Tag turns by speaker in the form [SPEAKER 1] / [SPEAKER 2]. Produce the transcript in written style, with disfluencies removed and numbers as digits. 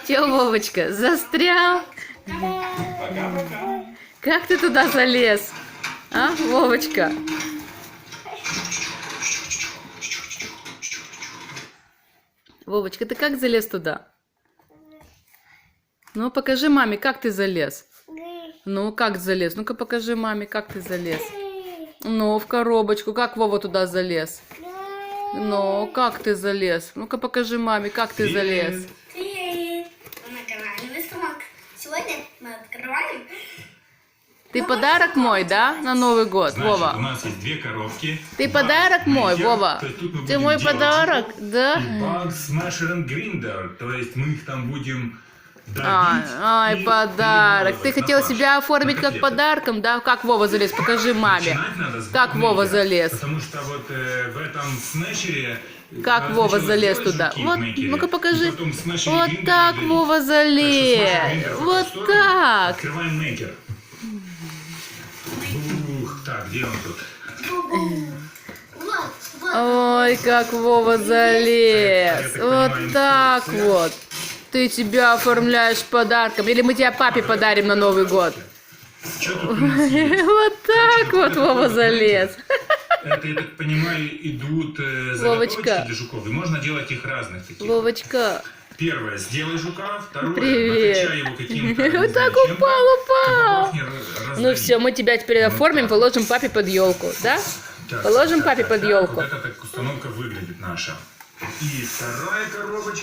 [SPEAKER 1] Че, Вовочка, застрял?
[SPEAKER 2] Пока-пока.
[SPEAKER 1] Как ты туда залез? А, Вовочка? Вовочка, ты как залез туда? Ну, покажи маме, как ты залез. Ну, как залез? Ну-ка, покажи маме, как ты залез. Ну, в коробочку. Как Вова туда залез? Ну, как ты залез? Ну-ка, покажи маме, как ты залез.
[SPEAKER 3] Привет! Мы на канале Вестромак. Сегодня мы открываем...
[SPEAKER 1] Ты подарок мой, да, на Новый год,
[SPEAKER 2] Значит, у
[SPEAKER 1] Вова?
[SPEAKER 2] нас есть две коробки.
[SPEAKER 1] Ты подарок мой, Вова?
[SPEAKER 2] То есть тут мы
[SPEAKER 1] Ты
[SPEAKER 2] будем
[SPEAKER 1] мой
[SPEAKER 2] делать
[SPEAKER 1] подарок, да?
[SPEAKER 2] И Bugs Smasher and Grinder. То есть мы их там будем давить.
[SPEAKER 1] Ай,
[SPEAKER 2] и
[SPEAKER 1] подарок. Ты
[SPEAKER 2] перемалывать на
[SPEAKER 1] хотел
[SPEAKER 2] фарш,
[SPEAKER 1] себя оформить
[SPEAKER 2] на
[SPEAKER 1] как
[SPEAKER 2] котлеты.
[SPEAKER 1] подарком, да? Как Вова залез? Покажи маме.
[SPEAKER 2] Начинать надо с
[SPEAKER 1] Как Вова
[SPEAKER 2] букмекера,
[SPEAKER 1] залез?
[SPEAKER 2] Потому что вот в этом смешере...
[SPEAKER 1] Как
[SPEAKER 2] надо
[SPEAKER 1] Вова
[SPEAKER 2] сначала
[SPEAKER 1] залез
[SPEAKER 2] сделать
[SPEAKER 1] туда?
[SPEAKER 2] жуки в
[SPEAKER 1] Вот,
[SPEAKER 2] мейкере,
[SPEAKER 1] ну-ка
[SPEAKER 2] и
[SPEAKER 1] покажи.
[SPEAKER 2] потом в смешере
[SPEAKER 1] Вот
[SPEAKER 2] гриндер
[SPEAKER 1] так
[SPEAKER 2] удалить.
[SPEAKER 1] Вова
[SPEAKER 2] Так что смешер
[SPEAKER 1] залез.
[SPEAKER 2] гриндер в
[SPEAKER 1] Вот
[SPEAKER 2] эту сторону.
[SPEAKER 1] так.
[SPEAKER 2] Открываем мейкер. Ух, так, где он тут?
[SPEAKER 3] Вот.
[SPEAKER 1] Ой, как Вова залез. Вот так вот. Ты тебя оформляешь подарком. Или мы тебя папе подарим на Новый год.
[SPEAKER 2] Что тут у нас есть?
[SPEAKER 1] Вот так вот Вова залез.
[SPEAKER 2] Это, я так понимаю, идут
[SPEAKER 1] Вовочка.
[SPEAKER 2] заготовочки для жуков. И можно делать их разных таких.
[SPEAKER 1] Вовочка.
[SPEAKER 2] Первое, сделай жука. Второе,
[SPEAKER 1] Привет.
[SPEAKER 2] накачай его каким-то... не
[SPEAKER 1] Вот
[SPEAKER 2] знаю,
[SPEAKER 1] так
[SPEAKER 2] чем-то,
[SPEAKER 1] упал.
[SPEAKER 2] чтобы бог не раздави.
[SPEAKER 1] Ну все, мы тебя теперь оформим,
[SPEAKER 2] так.
[SPEAKER 1] положим папе под елку, да?
[SPEAKER 2] Так,
[SPEAKER 1] Положим
[SPEAKER 2] так,
[SPEAKER 1] папе
[SPEAKER 2] так,
[SPEAKER 1] под
[SPEAKER 2] так,
[SPEAKER 1] елку.
[SPEAKER 2] Вот эта так установка выглядит наша. И вторая коробочка.